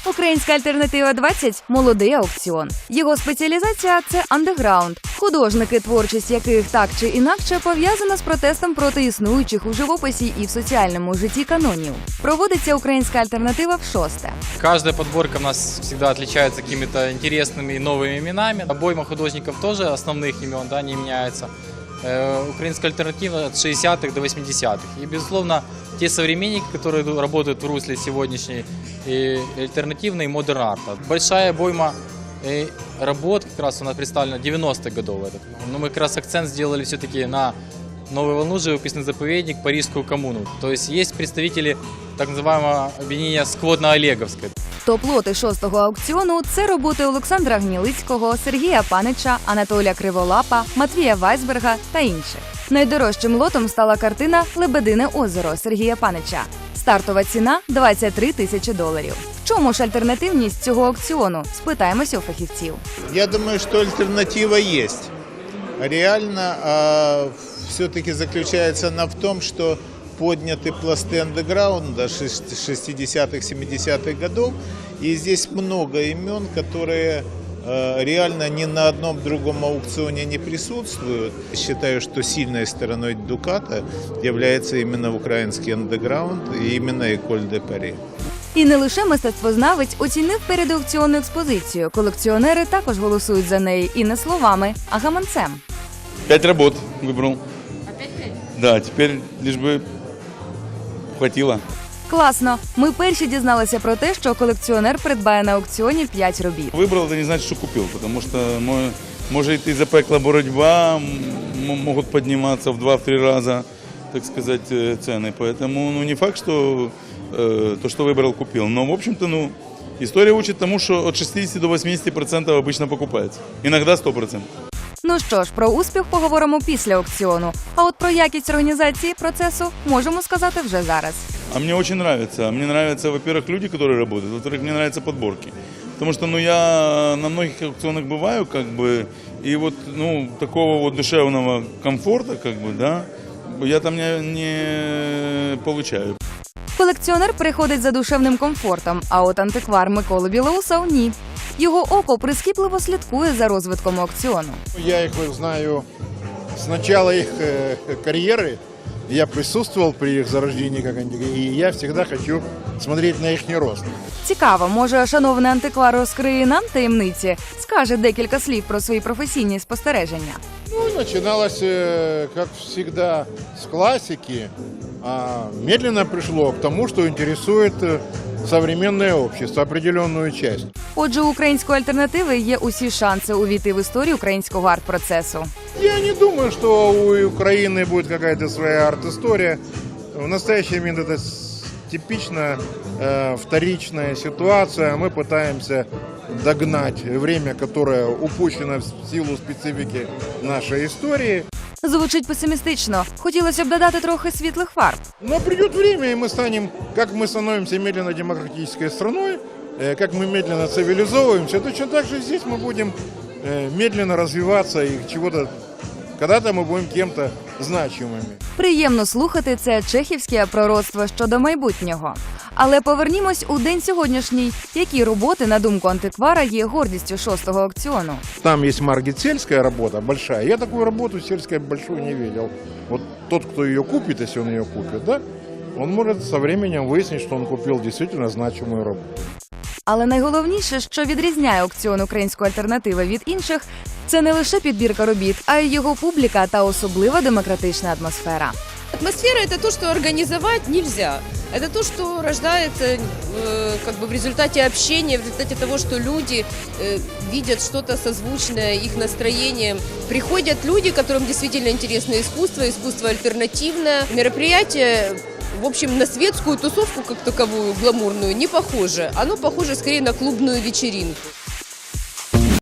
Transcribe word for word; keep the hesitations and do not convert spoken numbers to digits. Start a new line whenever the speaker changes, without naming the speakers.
Українська альтернатива двадцять – молодий аукціон. Його спеціалізація – це андеграунд. Художники, творчість яких так чи інакше пов'язана з протестом проти існуючих у живописі і в соціальному житті канонів. Проводиться українська альтернатива в шосте.
Каждая подборка у нас всегда отличается какими-то интересными и новыми именами. Обойма художников тоже основных имен, да, не меняется. Э, украинская альтернатива от шестидесятых до восьмидесятых. И, безусловно, те современники, которые работают в русле сегодняшней и альтернативной модерн-арта. Большая обойма э, работ как раз у нас представлена девяностых годов. Этот. Но мы как раз акцент сделали все-таки на новую волну, живописный заповедник, Парижскую коммуну. То есть есть представители так называемого объединения сквотно-олеговской.
Топ-лоти шостого аукціону – це роботи Олександра Гнілицького, Сергія Панича, Анатолія Криволапа, Матвія Вайсберга та інших. Найдорожчим лотом стала картина «Лебедине озеро» Сергія Панича. Стартова ціна – двадцять три тисячі доларів. В чому ж альтернативність цього аукціону? Спитаємося у фахівців.
Я думаю, что альтернатива есть. Реально а, все-таки заключается она в том, что подняты пласты андеграунда шестидесятых, семидесятых годов. И здесь много имен, которые э, реально ни на одном другом аукционе не присутствуют. Считаю, что сильной стороной Дуката является именно украинский андеграунд и именно École de Paris.
І не лише мистецтвознавець оцінив передаукціонну експозицію. Колекціонери також голосують за неї і не словами, а гаманцем.
Пять работ выбрал. Опять пять? Да, теперь лишь бы хватило.
Класно! Ми перші дізналися про те, що колекціонер придбає на аукціоні п'ять робіт.
Выбрал, это не значит, что купил, потому что мо- может и запекла боротьба, м- могут подниматься в два-три раза, так сказать, э, цены. Поэтому ну, не факт, что э, то, что выбрал, купил. Но, в общем-то, ну, история учит тому, что от шестидесяти до восьмидесяти процентов обычно покупается. Иногда сто процентов.
Ну що ж, про успіх поговоримо після аукціону. А от про якість організації процесу можемо сказати вже зараз.
А мне очень нравится. Мне нравятся, во-первых, люди, которые работают, во-вторых, мне нравятся подборки. Потому что, ну, я на многих аукционах бываю, как бы, и вот, ну, такого вот душевного комфорта, как бы, да, я там не, не получаю.
Колекціонер приходить за душевним комфортом, а от антиквар Микола Білоусов – ні. Його око прискіпливо слідкує за розвитком аукціону.
Я их знаю с начала их э, карьеры. Я присутствовал при их зарождении, как они, и я всегда хочу смотреть на их рост.
Цікаво, може, шановний антиквар розкриє нам таємниці, скаже декілька слів про свої професійні спостереження.
Ну, начиналось, э, как всегда, с классики, а медленно пришло к тому, что интересует э, современное общество, определенную часть.
Отже, у української альтернативи є усі шанси увійти в історію українського арт-процесу.
Я не думаю, что у Украины будет какая-то своя арт-история. В настоящий момент это с- типично э, вторичная ситуация. Мы пытаемся догнать время, которое упущено в силу специфики нашей истории.
Звучить песимістично. Хотілося б додати трохи світлих фарб.
Но придет время, и мы станем, как мы становимся медленно демократической страной, э, как мы медленно цивилизовываемся, точно так же здесь мы будем э, медленно развиваться и чего-то, когда-то мы будем кем-то значимыми.
Приємно слухати це чехівське пророцтво щодо майбутнього. Але повернімось у день сьогоднішній. Які роботи, на думку антиквара, є гордістю шостого аукціону?
Там есть маргет-сельская работа большая. Я такую работу сельской большую не видел. Вот тот, кто ее купит, если он ее купит, да, он может со временем выяснить, что он купил действительно значимую работу.
Але найголовніше, що відрізняє аукціон української альтернативи від інших, це не лише підбірка робіт, а й його публіка та особлива демократична атмосфера.
Атмосфера – это то, что организовать нельзя. Это то, что рождается э, как бы в результате общения, в результате того, что люди э, видят что-то созвучное их настроением. Приходят люди, которым действительно интересно искусство, искусство альтернативное. Мероприятие, в общем, на светскую тусовку как таковую, гламурную, не похоже. Оно похоже скорее на клубную вечеринку.